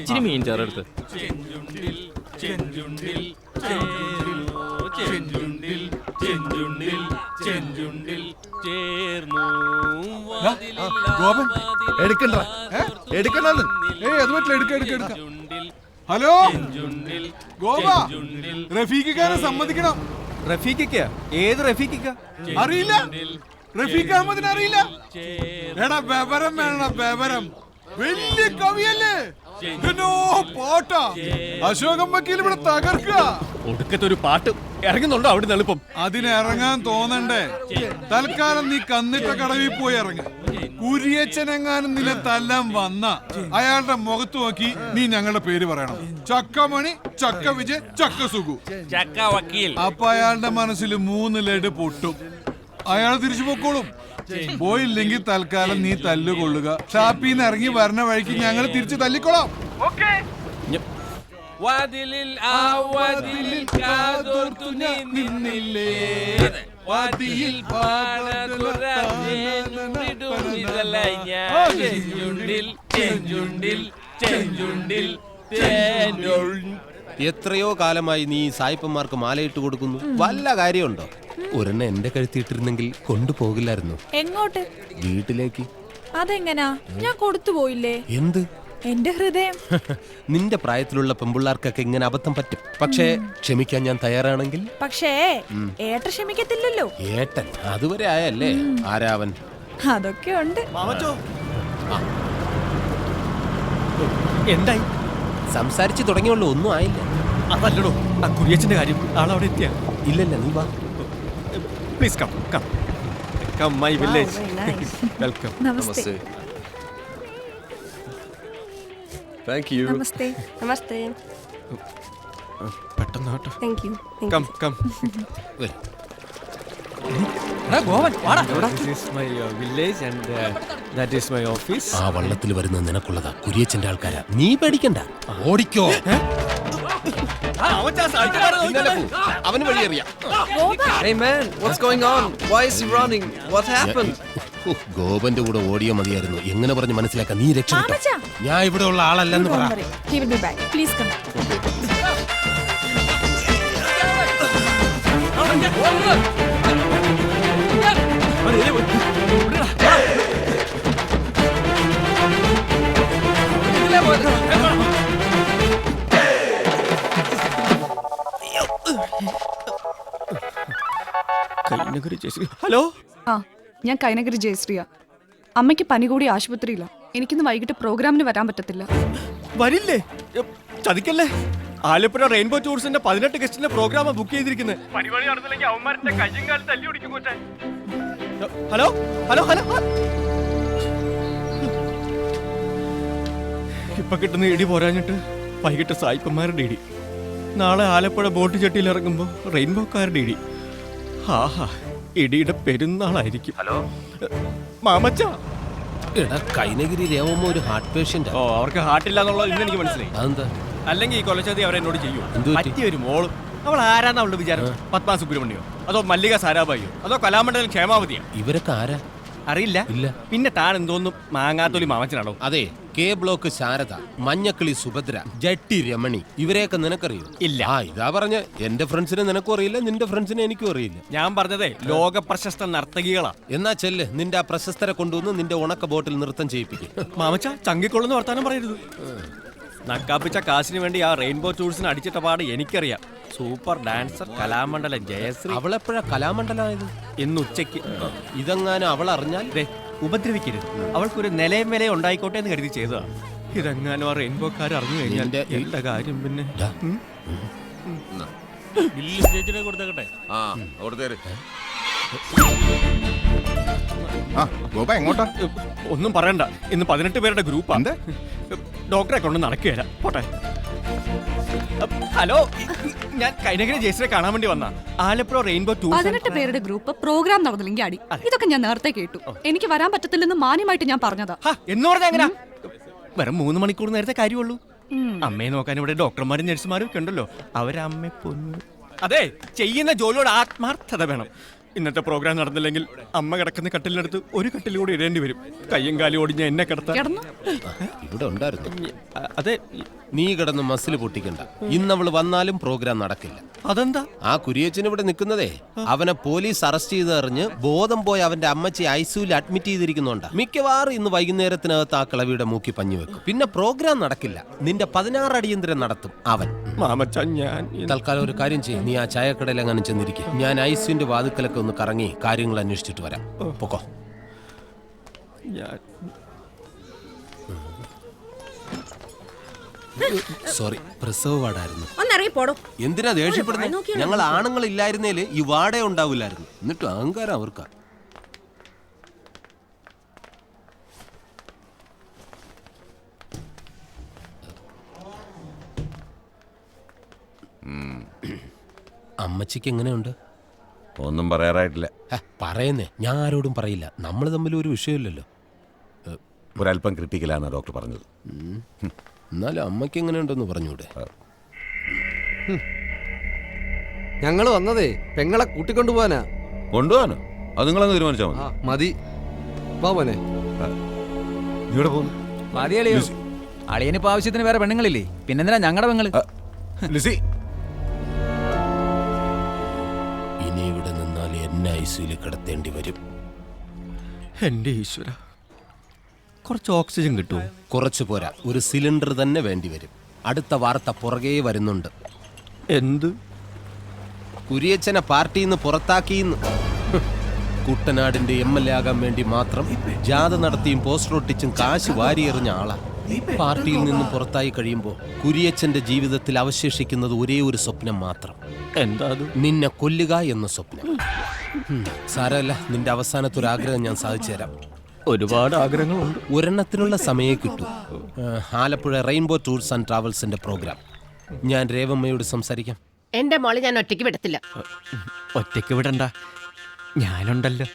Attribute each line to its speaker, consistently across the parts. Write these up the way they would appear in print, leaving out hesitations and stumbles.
Speaker 1: ഇച്ചിരി മീൻ ചേർത്ത്.
Speaker 2: ഗോപൻ എടുക്കണ്ട എടുക്കണ്ടെന്ന്. അത് പറ്റില്ല, എടുക്ക. ഹലോ ഗോപ, റഫീഖിക്കാരെ സമ്മതിക്കണം.
Speaker 3: റഫീഖിക്ക? ഏത് റഫീഖിക്ക?
Speaker 2: അറിയില്ല, റഫീഖ് അഹമ്മദിനെ അറിയില്ല? എടാ ബബരം വേണം, ബബരം. വലിയ കവിയല്ലേ, പാട്ടാ. അശോകം വക്കീൽ ഇവിടെ തകർക്കുക.
Speaker 3: ഒടുക്കത്തെ ഒരു പാട്ട് ഇറങ്ങുന്നുണ്ടോ അവിടെ എളുപ്പം?
Speaker 2: അതിനിറങ്ങാൻ തോന്നണ്ടേ? തൽക്കാലം നീ കന്നിട്ട കടവിൽ പോയി ഇറങ്ങ. കുരിയച്ചനെങ്ങാനും നില തല്ലാൻ വന്ന അയാളുടെ മുഖത്ത് നോക്കി നീ ഞങ്ങളുടെ പേര് പറയണം. ചക്കമണി, ചക്ക വിജയ്, ചക്ക സുഖു,
Speaker 1: ചക്ക വക്കീൽ.
Speaker 2: അപ്പൊ അയാളുടെ മനസ്സിൽ 3 ലഡ് പൊട്ടും. അയാൾ തിരിച്ചു പൊക്കോളും. പോയില്ലെങ്കിൽ തൽക്കാലം നീ തല്ലുകൊള്ളുക. ഷാപ്പിന്ന് ഇറങ്ങി വരണ വഴിക്ക് ഞങ്ങൾ തിരിച്ചു തല്ലിക്കൊള്ളാം.
Speaker 1: വാതിലിൽ ആ വാതിലിൽ കാതോർത്തു നീ നിന്നില്ലേ, വാതിലിൽ
Speaker 4: എത്രയോ കാലമായി നീ സായിപ്പന്മാർക്ക് മാലയിട്ട് കൊടുക്കുന്നു. വല്ല കാര്യമുണ്ടോ? ഒരെണ്ണ എന്റെ കഴുത്തിയിട്ടിരുന്നെങ്കിൽ കൊണ്ടുപോകില്ലായിരുന്നു.
Speaker 5: എങ്ങോട്ട്?
Speaker 4: വീട്ടിലേക്ക്.
Speaker 5: അതെങ്ങനാ? ഞാൻ കൊടുത്തു പോയില്ലേ?
Speaker 4: എന്ത്?
Speaker 5: എന്റെ ഹൃദയം.
Speaker 4: നിന്റെ പ്രായത്തിലുള്ള പെമ്പിള്ളാർക്കൊക്കെ ഇങ്ങനെ അബദ്ധം പറ്റും. പക്ഷേ ക്ഷമിക്കാൻ ഞാൻ തയ്യാറാണെങ്കിൽ.
Speaker 5: പക്ഷേ ഏട്ടൻ ക്ഷമിക്കത്തില്ലല്ലോ.
Speaker 4: ഏട്ടൻ അതുവരെ ആയല്ലേ? ആരാവൻ?
Speaker 5: അതൊക്കെ ഉണ്ട്.
Speaker 3: എന്തായി?
Speaker 4: സംസാരിച്ചു തുടങ്ങിയുള്ളൂ, ഒന്നും ആയില്ല.
Speaker 3: അതല്ലടോ ആ കുരിയച്ചന്റെ കാര്യം. ആളവിടെ എത്തിയ?
Speaker 4: ഇല്ലല്ല, നീ വാ.
Speaker 3: Please come come come my village. Welcome.
Speaker 5: നമസ്തേ.
Speaker 3: Thank you.
Speaker 5: നമസ്തേ.
Speaker 6: നമസ്തേ.
Speaker 3: പെട്ടെന്ന് കേട്ടോ.
Speaker 6: Thank you.
Speaker 3: Come come. Village and that is my office.
Speaker 4: ആ വള്ളത്തിൽ വരുന്ന നിനക്കുള്ളതാ, കുരിയച്ചന്റെ ആൾക്കാരാ. നീ പേടിക്കണ്ട, ഓടിക്കോ. അവന് വഴിയറിയാം.
Speaker 7: Hey man, what's going on? Why is he running? What happened?
Speaker 4: ഗോപന്റെ കൂടെ ഓടിയോ മതിയായിരുന്നു. എങ്ങനെ പറഞ്ഞ് മനസ്സിലാക്കാൻ? നീ രക്ഷപ്പെട്ടോ. ഞാൻ ഇവിടെ ഉള്ള ആളല്ലെന്ന് പറ.
Speaker 5: He will be back. Please come.
Speaker 3: Hello,
Speaker 8: ഞാൻ കൈനഗിരി ജയശ്രീയ. അമ്മയ്ക്ക് പനി കൂടി ആശുപത്രിയില്ല. എനിക്കിന്ന് വൈകിട്ട് പ്രോഗ്രാമിന് വരാൻ പറ്റത്തില്ല.
Speaker 3: വരില്ലേ? ചതിക്കല്ലേ. ആലപ്പുഴ റെയിൻബോ ടൂറിസ്റ്റിന്റെ 18 ഗസ്റ്റിന്റെ പ്രോഗ്രാം ബുക്ക് ചെയ്തിരിക്കുന്നത്. Hello hello hello. ഇപ്പൊ കിട്ടുന്ന ഇടി പോരാഞ്ഞിട്ട് വൈകിട്ട് സായിപ്പന്മാരുടെ ഇടി. നാളെ ആലപ്പുഴ ബോട്ട് ചട്ടിയിൽ ഇറങ്ങുമ്പോ റെയിൻബോക്കാരുടെ ഇടി. ആഹാ, ഇടിയുടെ പെരുന്നാളായിരിക്കും. ഹലോ മാമച്ച.
Speaker 4: എടാ, കൈനഗിരി രേവമ്മ ഒരു ഹാർട്ട് പേഷ്യന്റ്.
Speaker 3: ഓ, അവർക്ക് ഹാർട്ട് ഇല്ല എന്നുള്ളത് ഇന്ന് എനിക്ക് മനസ്സിലായി.
Speaker 4: അതെന്താ?
Speaker 3: അല്ലെങ്കിൽ ഈ കൊലച്ചതി അവരെന്നോട് ചെയ്യൂ.
Speaker 4: എന്ത് പറ്റി?
Speaker 3: പറ്റിയ ഒരു മോളും. അവൾ ആരാന്ന അവളുടെ വിചാരം? പത്മ സുബ്രഹ്മണ്യോ അതോ മല്ലിക സാരാഭായിയോ അതോ കലാമണ്ഡലം ക്ഷേമാവതിയോ?
Speaker 4: ഇവരൊക്കെ ആരാ?
Speaker 3: അറിയില്ല.
Speaker 4: ഇല്ല.
Speaker 3: പിന്നെ താൻ എന്തോന്നും മാങ്ങാത്തൊലി മാമച്ചനാണോ?
Speaker 4: അതെ, കെ ബ്ലോക്ക് ശാരദ, മഞ്ഞക്കിളി സുഭദ്ര, ജട്ടി രമണി, ഇവരെയൊക്കെ നിനക്കറിയോ?
Speaker 3: ഇല്ല.
Speaker 4: ഇതാ പറഞ്ഞ എന്റെ ഫ്രണ്ട്സിനെ നിനക്കും അറിയില്ല, നിന്റെ ഫ്രണ്ട്സിനെ എനിക്കും അറിയില്ല.
Speaker 3: ഞാൻ പറഞ്ഞതേ ലോക പ്രശസ്ത നർത്തകികളാ.
Speaker 4: എന്നാ ചെല്ല്, നിന്റെ ആ പ്രശസ്തരെ കൊണ്ടുവന്ന് നിന്റെ ഉണക്ക ബോട്ടിൽ നൃത്തം ചെയ്യിപ്പിക്കും.
Speaker 3: മാമച്ച, ചങ്കിക്കൊള്ളുന്ന വർത്താനം പറയരുത്. നക്കാപ്പിച്ച കാശിന് വേണ്ടി ആ റെയിൻബോ ടൂറിസ്റ്റിന് അടിച്ചിട്ട പാട് എനിക്കറിയാം. Super dancer Kalamandalam Jayashree.
Speaker 4: അവളെപ്പോഴാ കലാമണ്ഡലമായത്?
Speaker 3: ഇന്ന് ഉച്ചയ്ക്ക്.
Speaker 4: ഇതെങ്ങാനും അവൾ അറിഞ്ഞാൽ
Speaker 3: ഉപദ്രവിക്കരുത്. അവൾക്കൊരു നിലയും വിലയും ഉണ്ടായിക്കോട്ടെ എന്ന് കരുതി ചെയ്തതാണ്. ഇതെങ്ങാനും ആ റെയിൻബോക്കാർ അറിഞ്ഞു കഴിഞ്ഞാൽ എന്റെ കാര്യം പിന്നെ.
Speaker 1: കൊടുത്തേക്കട്ടെ.
Speaker 3: ഒന്നും പറയണ്ട, ഇന്ന് 18 പേരുടെ ഗ്രൂപ്പാ. ഡോക്ടറെ കൊണ്ട് നടക്കുകയല്ല. പോട്ടെ. ഹലോ, ഞാൻ കൈനഗിരി ജയശ്രീയെ കാണാൻ വേണ്ടി വന്ന ആലപ്പുഴ റെയിൻബോ ടൂർ.
Speaker 8: 18 പേരുടെ ഗ്രൂപ്പ് പ്രോഗ്രാം നടന്നില്ലെങ്കിൽ അടി. ഇതൊക്കെ ഞാൻ നേരത്തെ കേട്ടു. എനിക്ക് വരാൻ പറ്റത്തില്ലെന്ന് മാന്യമായിട്ട് ഞാൻ പറഞ്ഞതാ.
Speaker 3: എന്ന് പറഞ്ഞാ എങ്ങനാ? വെറും 3 മണിക്കൂർ നേരത്തെ കാര്യമുള്ളൂ. അമ്മയെ നോക്കാൻ ഇവിടെ ഡോക്ടർമാരും നഴ്സുമാരും ഒക്കെ ഉണ്ടല്ലോ. അവരമ്മ പൊന്നു. അതെ, ചെയ്യുന്ന ജോലിയോട് ആത്മാർത്ഥത വേണം. ഇന്നത്തെ പ്രോഗ്രാം നടന്നില്ലെങ്കിൽ അമ്മ കിടക്കുന്ന കട്ടിലിനടുത്ത് ഒരു കട്ടിൽ കൂടി ഇടേണ്ടി വരും. കയ്യും കാലും ഓടിഞ്ഞ എന്നെ കിടത്താം.
Speaker 8: കിടന്നു.
Speaker 4: ഇവിടെ ഉണ്ടായിരുന്നു.
Speaker 3: അതെ,
Speaker 4: നീ കിടന്ന് മസിൽ പൊട്ടിക്കണ്ട. ഇന്നവള് വന്നാലും പ്രോഗ്രാം നടക്കില്ല.
Speaker 3: അതെന്താ?
Speaker 4: ആ കുരിയച്ചൻ ഇവിടെ നിൽക്കുന്നതേ അവനെ പോലീസ് അറസ്റ്റ് ചെയ്തറിഞ്ഞ് ബോധം പോയി അവന്റെ അമ്മച്ചി ഐസിയുവിൽ അഡ്മിറ്റ് ചെയ്തിരിക്കുന്നുണ്ട്. മിക്കവാറും ഇന്ന് വൈകുന്നേരത്തിനകത്ത് ആ കിളവിയുടെ മൂക്കി പഞ്ഞു വെക്കും. പിന്നെ പ്രോഗ്രാം നടക്കില്ല. നിന്റെ 16 അടിയന്തരം നടത്തും അവൻ.
Speaker 3: മാമച്ച, ഞാൻ
Speaker 4: തൽക്കാലം ഒരു കാര്യം ചെയ്യും. നീ ആ ചായക്കടയിൽ അങ്ങനെ ചെന്നിരിക്കും. ഞാൻ ഐസിയുന്റെ വാതിക്കലൊക്കെ ഒന്ന് കറങ്ങി കാര്യങ്ങൾ അന്വേഷിച്ചിട്ട് വരാം. പൊക്കോ.
Speaker 3: ഞാൻ
Speaker 4: സോറി, പ്രസവ വാർഡായിരുന്നു.
Speaker 6: ഒന്നറിയിപ്പോടോ.
Speaker 4: എന്തിനാ ദേഷ്യപ്പെടുന്നത്? ഞങ്ങൾ ആണുങ്ങൾ ഇല്ലായിരുന്നേല് ഈ വാടേ ഉണ്ടാവില്ലായിരുന്നു. എന്നിട്ടും അഹങ്കാരം അവർക്കാ. അമ്മച്ചിക്ക് എങ്ങനെയുണ്ട്?
Speaker 9: ഒന്നും പറയാറായിട്ടില്ല.
Speaker 4: പറയുന്നേ, ഞാൻ ആരോടും പറയില്ല. നമ്മൾ തമ്മിൽ ഒരു വിഷയമില്ലല്ലോ.
Speaker 9: ഒരല്പം ക്രിട്ടിക്കലാണ് ഡോക്ടർ പറഞ്ഞത്.
Speaker 4: എന്നാലും അമ്മയ്ക്ക് എങ്ങനെയുണ്ടെന്ന് പറഞ്ഞൂടെ?
Speaker 7: ഞങ്ങൾ വന്നതേ പെങ്ങളെ കൂട്ടിക്കൊണ്ടുപോവാനാ.
Speaker 9: കൊണ്ടുപോകാനോ? അത് നിങ്ങളങ്ങ് തീരുമാനിച്ചാൽ മതി.
Speaker 7: മതി. വാ മോനെ.
Speaker 9: നീ ഇവിടെ പോകുന്നു?
Speaker 10: മതിയളിയോ, അളിയനിപ്പോ ആവശ്യത്തിന് വേറെ പെണ്ണുങ്ങളില്ലേ, പിന്നെന്തിനാ ഞങ്ങളുടെ പെങ്ങള്?
Speaker 9: ലിസി,
Speaker 4: ഇനി ഇവിടെ നിന്നാൽ എന്നെ ഐസിയിൽ കിടത്തേണ്ടി വരും.
Speaker 3: എന്റെ ഈശ്വര, കുറച്ച് ഓക്സിജൻ കിട്ടുമോ?
Speaker 4: കുറച്ചു പോരാ, ഒരു സിലിണ്ടർ തന്നെ വേണ്ടി വരും. അടുത്ത വാർത്ത പുറകെ വരുന്നുണ്ട്.
Speaker 3: എന്ത്?
Speaker 4: കുരിയച്ചനെ പാർട്ടിയിൽ നിന്ന് പുറത്താക്കിയെന്ന്. കുട്ടനാടിന്റെ MLA ആകാൻ വേണ്ടി മാത്രം ജാഥ നടത്തിയും പോസ്റ്റർ ഒട്ടിച്ചും കാശ് വാരിയെറിഞ്ഞ ആളാ. പാർട്ടിയിൽ നിന്ന് പുറത്തായി കഴിയുമ്പോൾ കുരിയച്ചന്റെ ജീവിതത്തിൽ അവശേഷിക്കുന്നത് ഒരേ ഒരു സ്വപ്നം മാത്രം.
Speaker 3: എന്താ അത്?
Speaker 4: നിന്നെ കൊല്ലുക എന്ന സ്വപ്നം. സാരമല്ല, നിന്റെ അവസാനത്തെ ഒരു ആഗ്രഹം ഞാൻ സാധിച്ചു തരാം.
Speaker 3: ഒരുപാട് ആഗ്രഹങ്ങളുണ്ട്.
Speaker 4: ഒരെണ്ണത്തിനുള്ള സമയം കിട്ടും. ആലപ്പുഴ റെയിൻബോ ടൂർസ് ആൻഡ് ട്രാവൽസിന്റെ പ്രോഗ്രാം. ഞാൻ രേവമ്മയോട് സംസാരിക്കാം.
Speaker 6: എന്റെ മോളെ ഞാൻ ഒറ്റയ്ക്ക് വിടത്തില്ല.
Speaker 3: ഒറ്റയ്ക്ക് വിടണ്ട, ഞാനുണ്ടല്ലോ.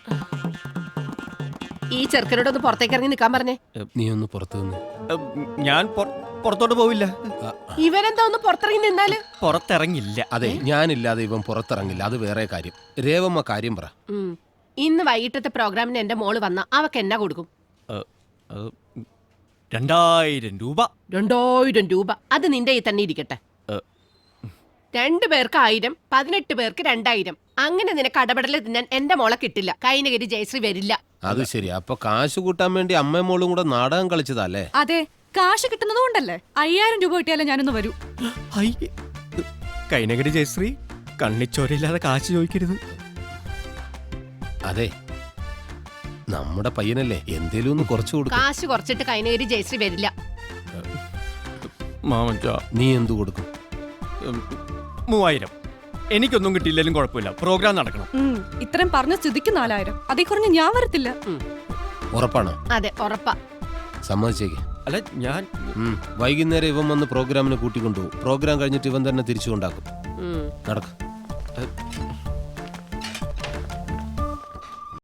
Speaker 6: ഈ ചെറുക്കനോടൊന്ന് പുറത്തേക്ക് ഇറങ്ങി നിൽക്കാൻ പറഞ്ഞേ.
Speaker 4: നീ ഒന്ന് പുറത്തു നിന്ന്.
Speaker 3: ഞാൻ പുറത്തോട്ട് പോവില്ല.
Speaker 6: ഇവരെന്താ ഒന്ന് പുറത്തിറങ്ങി നിന്നാല്?
Speaker 3: പുറത്തിറങ്ങില്ല.
Speaker 4: അതെ, ഞാനില്ലാതെ ഇവൻ പുറത്തിറങ്ങില്ല. അത് വേറെ കാര്യം. രേവമ്മ കാര്യം പറ.
Speaker 6: ഇന്ന് വൈകിട്ടത്തെ പ്രോഗ്രാമിന് എന്റെ മോള് വന്ന അവക്ക് എന്നാ കൊടുക്കും?
Speaker 3: 2000 രൂപ.
Speaker 6: 2000 രൂപ? അത് നിന്റെ ഈ തന്നെ ഇരിക്കട്ടെ. 2 പേർക്ക് 1000, 18 പേർക്ക് 2000. അങ്ങനെ നിനക്ക് അടപടല് തിന്നാൻ എന്റെ മോളെ കിട്ടില്ല. കൈനഗിരി ജയശ്രീ വരില്ല.
Speaker 4: അത് ശരി. അപ്പൊ കാശ് കൂട്ടാൻ വേണ്ടി അമ്മയും മോളും കൂടെ നാടകം കളിച്ചതല്ലേ?
Speaker 8: അതെ, കാശ് കിട്ടുന്നത് കൊണ്ടല്ലേ. 5000 രൂപ കിട്ടിയാലേ ഞാനൊന്ന് വരൂ.
Speaker 3: കൈനഗിരി ജയശ്രീ, കണ്ണിച്ചോരയില്ലാതെ കാശ് ചോദിക്കരുത്.
Speaker 4: അതെ, നമ്മുടെ പയ്യനല്ലേ, എന്തേലും ഒന്ന് കുറച്ചു കൊടുക്കും.
Speaker 6: കാശ് കുറച്ചിട്ട് കൈനഗിരി ജയശ്രീ വരില്ല.
Speaker 3: മാമച്ച,
Speaker 4: നീ എന്തു കൊടുക്കും?
Speaker 3: 3000. എനിക്കൊന്നും കിട്ടിയില്ലെങ്കിലും കുഴപ്പമില്ല, പ്രോഗ്രാം നടക്കണം.
Speaker 8: ഇത്രയും പറഞ്ഞ സ്ഥിതിക്ക് 4000. അതേ കുറഞ്ഞ് ഞാൻ വരത്തില്ല.
Speaker 4: ഉറപ്പാണോ?
Speaker 6: അതെ, ഉറപ്പാ.
Speaker 4: സമ്മതിച്ചേക്ക്.
Speaker 3: അല്ല, ഞാൻ
Speaker 4: വൈകുന്നേരം ഇവൻ വന്ന് പ്രോഗ്രാമിന് കൂട്ടിക്കൊണ്ടുപോകും. പ്രോഗ്രാം കഴിഞ്ഞിട്ട് ഇവൻ തന്നെ തിരിച്ചു കൊണ്ടാക്കും. നടക്കും.